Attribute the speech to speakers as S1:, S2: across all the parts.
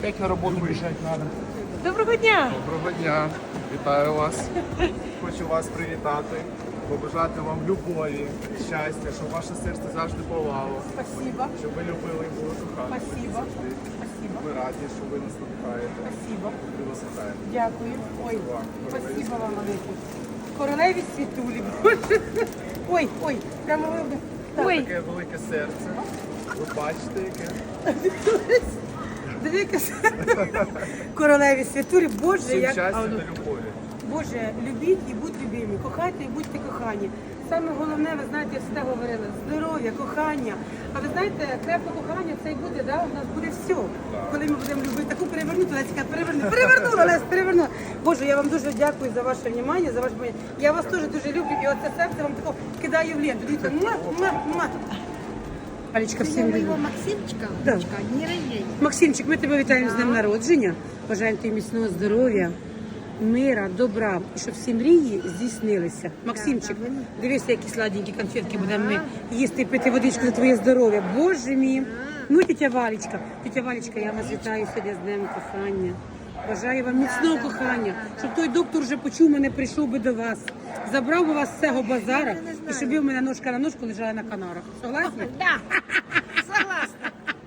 S1: Опять на роботу бежать надо.
S2: Доброго дня!
S3: Доброго дня, вітаю вас. Хочу вас привітати, побажати вам любові, щастя, щоб ваше серце завжди палало,
S2: Спасибо.
S3: щоб ви любили і були кохані.
S2: Спасибо.
S3: завжди.
S2: Спасибо.
S3: Ми раді, що ви нас надихаєте.
S2: Спасибо.
S3: Ви вас вітаємо.
S2: Дякую. Ой,
S3: Вам,
S2: спасибо вам велике. Королеві світулі. Ой, ой, прямо ви. Ой,
S3: Таке велике серце. Ви бачите, яке?
S2: дивіться. Королеві світулі, Боже,
S3: Всім
S2: як...
S3: щастя та любові.
S2: Боже, любіть і будьте любимі, кохайте і будьте кохані. Саме головне, ви знаєте, я завжди говорила, здоров'я, кохання. А ви знаєте, крепке кохання це і буде, да? У нас буде все. Коли ми будемо любити, таку перевернути, Леська, перевернула, Лесь, перевернула. Боже, я вам дуже дякую за ваше внимання, за ваше внимання. Я вас теж дуже люблю, і оце серце вам тако кидаю в ленту. Дивіться, муа, муа, муа. Алічка, всім
S4: Моего
S2: любить.
S4: Максимчика,
S2: Да.
S4: дочка, дни рождения.
S2: Максимчик, ми тебе вітаємо з днем народження. Бажаємо тобі міцного здоров'я, мира, добра, і щоб всі мрії здійснилися. Максимчик, дивися, які сладенькі конфетки будемо ми їсти і пити водичку за твоє здоров'я. Боже мій. Ну, тетя Валечка, я вас вітаю сьогодні з днем кохання. Бажаю вам міцного кохання, щоб той доктор вже почув мене, прийшов би до вас. Забрав би вас з цього базара і щоб ви в мене ножка на ножку лежали на канарах. Согласні?
S4: Да, согласна.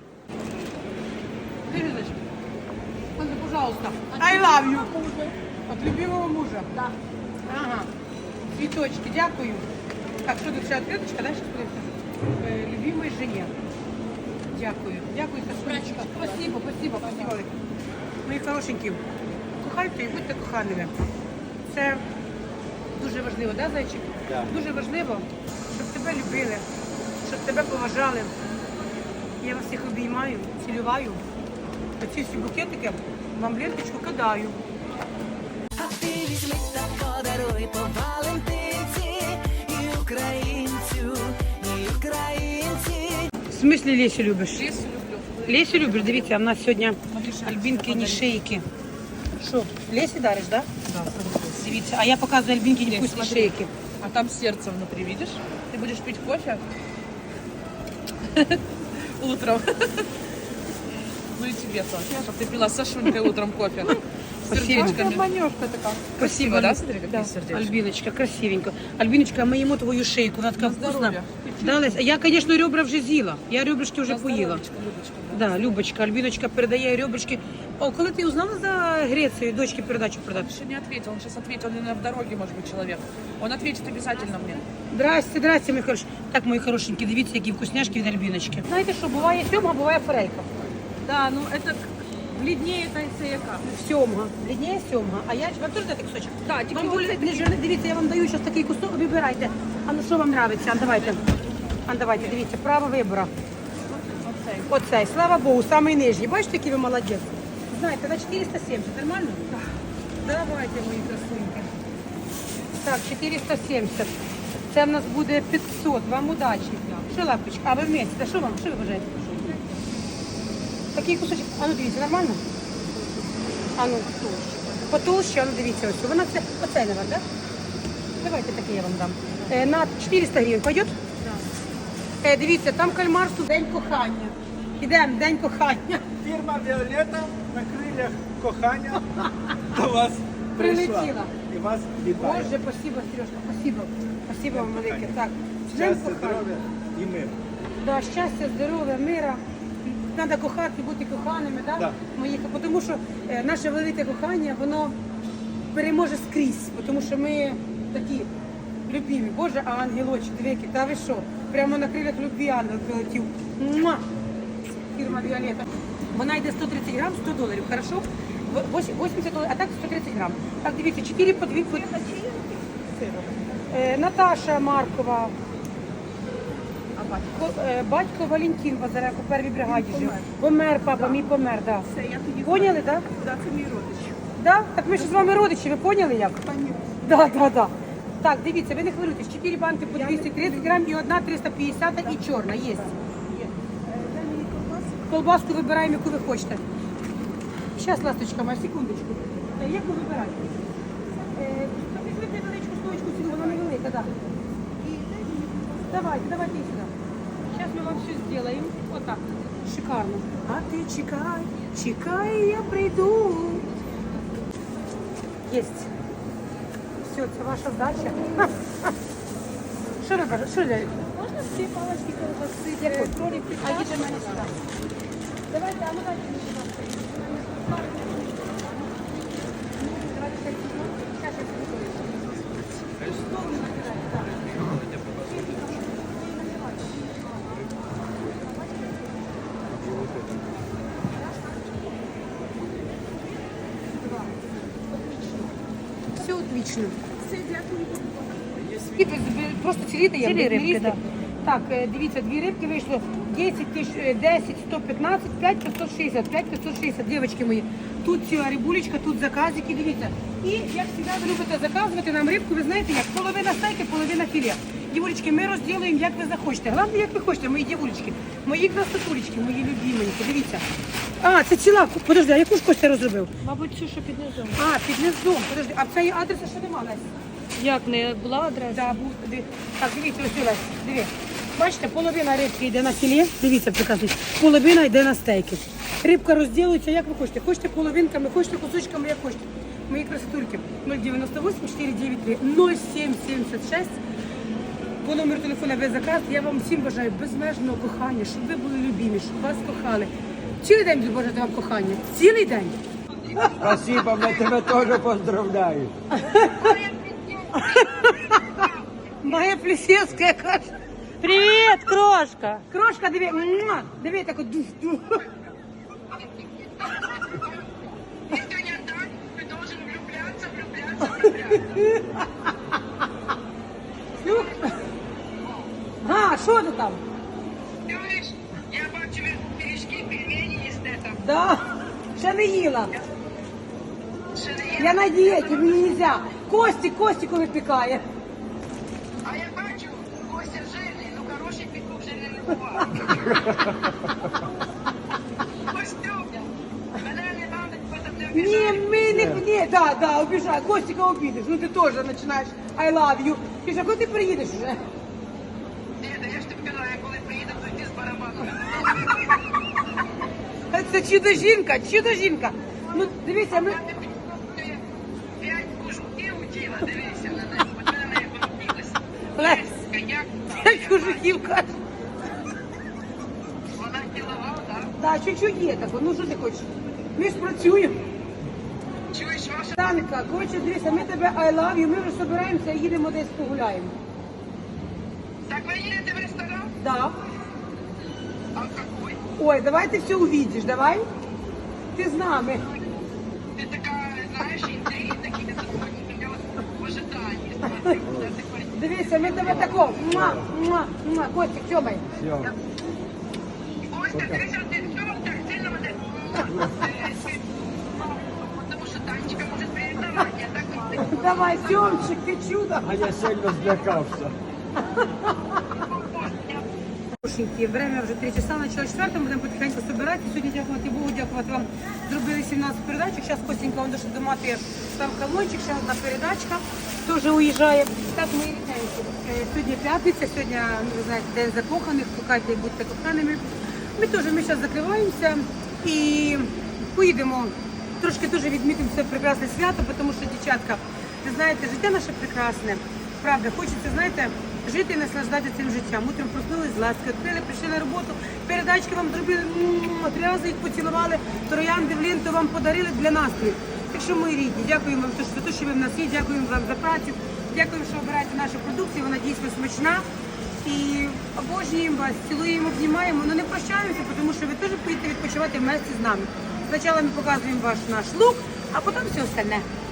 S2: Ириночка, пожалуйста, I love you. От любимого мужа.
S4: Да.
S2: Ага. Цветочки, дякую. Так, що тут ще відкриточка, да, ще подивимося? Любимой жене. Дякую. Дякую, Сашунечка. Спасибо, спасибо, спасибо. Мої хорошенькі, кохайте і будьте коханими. Це дуже важливо, да, зайчик?
S1: Да.
S2: Дуже важливо, щоб тебе любили, щоб тебе поважали. Я вас всіх обіймаю, цілюваю. Оці всі букетики вам в ленточку кидаю.
S5: А ти візьми та подаруй по Валентинці і українцю, і українці.
S2: В смислі Лесю любиш? Лесю люблю. Лесю любиш? Дивіться, в нас сьогодні альбінкині шейки. Що, Лесі дариш, так? Да?
S6: Да,
S2: Дивіться, а я показую альбінкині вкусні
S6: смотри.
S2: шейки.
S6: А там сердце внутри, видишь? Ты будешь пить кофе утром. Ну и тебе тоже, чтобы ты пила с Сашунькой утром кофе. С сердечками.
S4: Манёшка такая.
S6: Красиво, да? Смотри, какие сердечки.
S2: Альбіночка, красивенько. Альбіночка, ми їмо твою шейку, вона така
S6: На
S2: вкусна.
S6: здоров'я.
S2: Да, Лесь, а я, звісно, ребра вже з'їла. Я ребрышки вже
S6: На
S2: поїла.
S6: здоровечко, Любочка, да.
S2: Да, Любочка, Альбіночка передає ребрышки. О, коли ти узнала за Грецію, дочки передачу продати?
S6: Еще не ответил, он сейчас ответит, он, наверное, в дороге, может быть, человек. Он ответит обязательно мне.
S2: Здрасте, здрасте, мої хороші. Так, мої хорошенькі, дивіться, які вкусняшки від Альбіночки. Знаєте що, буває сьомга, буває форелька.
S6: Да, ну это бледнее это яка.
S2: Сьомга, блідніє сьомга. А я вам теж дати кусочок?
S6: Да, тільки
S2: вам
S6: оцей
S2: не жирний, дивіться, я вам даю зараз такий кусок, вибирайте. А ну що вам подобається? А давайте. А давайте, дивіться, право вибору. Оцей, слава Богу, самий нижній. Бачите, який ви молодець? Знаєте, на 470, нормально? Так. Давайте, мої красуньки. Так, 470. Це в нас буде 500. Вам удачі. Що, лапочка? А ви вместе? Та що вам? Що ви бажаєте? Такий кусочок. А ну дивіться, нормально? А ну, потолще, а ну дивіться ось. Вона це, оцей, наверное, так? Давайте такий я вам дам. На 400 гривень пойдет? Так. Дивіться, там кальмарство День кохання. Ідемо, День кохання.
S1: Фірма Віолета на крилях кохання до вас прийшла.
S2: Прилетіла.
S1: І вас вітає.
S2: Боже, спасибо, Сережка, спасибо. Спасибо вам велике. Так, День
S1: Щастя,
S2: кохання.
S1: здоров'я і мир.
S2: Да, щастя, здоров'я, мира. Треба кохати, бути коханими, да?
S1: Да.
S2: Мої, тому що наше велике кохання, воно переможе скрізь, тому що ми такі любимі. Боже, а ангелочки, дивіться, та ви що? Прямо на крилях любві ангел прилетів. Муа! Фірма Віолета. Вона йде 130 грам, 100 доларів, хорошо? 80 доларів, а так 130 грам. Так, дивіться, 4 по 2. Наташа Маркова. Батько Валентин Базаренко, в первій бригаді жив. Помер, папа, мій помер, так.
S4: Все, я тоді
S2: Поняли, так?
S4: Да, це мій родич.
S2: Да? Так ми ж з вами родичі, ви поняли як? Да, да, да. Так, дивіться, ви не хвилюйтесь, 4 банки по 230 грам і одна 350 і чорна, є. Колбаску вибираємо, яку ви хочете. Зараз, ласточка моя, секундочку. Як ви вибираєте? Візьміть невеличку стоечку цілу, вона невелика, так. Давайте і сюди. Сейчас мы вам все сделаем. Вот так. Шикарно. А ты чекай, Чекай, я прийду. Єсть. Все, це ваша вдача. Що ви кажете? Що далі?
S4: Можна всі палочки колбаси, кролик, а їде мене сюди. Давайте, а ну дайте мені сюди. Давайте так візьмемо. Щас я собі колись.
S2: Все отлично.
S4: Все, дякую.
S2: І ви просто ціліте, я
S4: Цілі рибки,
S2: да. Так, дивіться, дві рибки вийшло 10 тисяч, 10, 115, 5, 560, 5, 560, дівчатки мої. Тут ціла рибулечка, тут заказики, дивіться. І, як завжди, ви любите заказувати нам рибку, ви знаєте як, половина стейки, половина філе. Дівулечки, ми розділуємо, як ви захочете. Головне, як ви хочете, мої дівулечки, мої красотулечки, мої любименькі, дивіться. А, це ціла, подожди, а яку ж Костя розробив?
S4: Мабуть, цю, що під низом.
S2: А, під низом, подожди, а в цієї адреса що нема, Лесь?
S4: Як не була адреса?
S2: Да, був туди. Так, дивіться, ось Лесь, диви. Бачите, половина рибки йде на філе, дивіться, прекрасно, половина йде на стейки. Рибка розділується, як ви хочете. Хочете половинками, хочете кусочками, як хочете. Мої красотульки, 098 493 0776. По номеру телефона без заказ. Я вам всім бажаю безмежного кохання, щоб ви були любимі, щоб вас кохали. Цілий день буду бажати вам кохання. Цілий день.
S1: Спасибо, ми тебе теж поздравляю.
S2: Моя Плесецька каже.
S4: Привіт, крошка!
S2: Крошка, диви, муа, диви, так от дух.
S7: Если не так, ты должен влюбляться.
S2: Ну, а, що ти там?
S7: Ты говоришь, я бачу пиріжки, пельмені їсте там.
S2: Да, ще не їла.
S7: Ще не є?
S2: Я на дієті, мені нельзя. Костіку випікає.
S7: А я бачу, Костя жирний, ну хороший петух жирний не буває. Костюм, мене не надо, потім не
S2: Ні,
S7: обіжай.
S2: ми не, да, обіжай. Костіка обідеш. Ну ти теж починаєш I love you. Ти ж, а коли ти приїдеш вже?
S7: Ні, да я ж тобі казала, я коли приїду, то йди з барабаном.
S2: Це чудо-жінка. Ну, дивіться, ми...
S7: Я тобі показую 5 кожухів у тіла, дивися на неї, от мене на неї помітилася.
S2: Лесь,
S7: Як
S2: як кожухів кажеш.
S7: вона кілова, так?
S2: Да, чуть-чуть є таке. Ну, що ти хочеш? Ми ж працюємо.
S7: Чуєш, ваша
S2: Танка, коротше, дивися, ми тебе I love you, ми вже збираємося і їдемо десь погуляємо.
S7: Так вы едете в ресторан?
S2: Да.
S7: А какой?
S2: Ой, давай ти все увидиш, давай. Ти з нами.
S7: Ты такая, знаешь, интриги такие, это меня вот в ожидании. Смотри, куда ты пойдешь.
S2: Дивися, ми тебе тако. Муа. Костик, тьомай.
S7: Костя, ты сейчас ты все так сильно вот это. Потому что Танечка может пририсовать, я так вот.
S2: Давай, Тьомчик, ти чудо.
S1: А я сильно злякався.
S2: Хорошенькі, время вже 3 часа, начало 4, будемо потихеньку збирати. Сьогодні, дякувати Богу, дякувати вам, зробили 17 передачок. Зараз Костенька, он до мати став колончик, ще одна передачка, теж уїжджає. Так, мої рідненькі, сьогодні п'ятниця, сьогодні, ви знаєте, день закоханих, кохайте і будьте коханими. Ми зараз закриваємося і поїдемо, трошки дуже відмітимо це прекрасне свято, тому що, дівчатка, ви знаєте, життя наше прекрасне. Правда, хочеться, знаєте, жити і наслаждатися цим життям. Утром проснулись з ласки, відкрили, прийшли на роботу, передачки вам зробили, 3 рази їх поцілували, троянди в ленту вам подарили для настрою. Так що, мої рідні, дякуємо вам за те, що ви в нас є, дякуємо вам за працю, дякуємо, що обираєте нашу продукцію, вона дійсно смачна. І обожнюємо вас, цілуємо, обнімаємо, але не прощаємося, тому що ви теж поїдете відпочивати вместе з нами. Спочатку ми показуємо наш лук, а потім все остальне.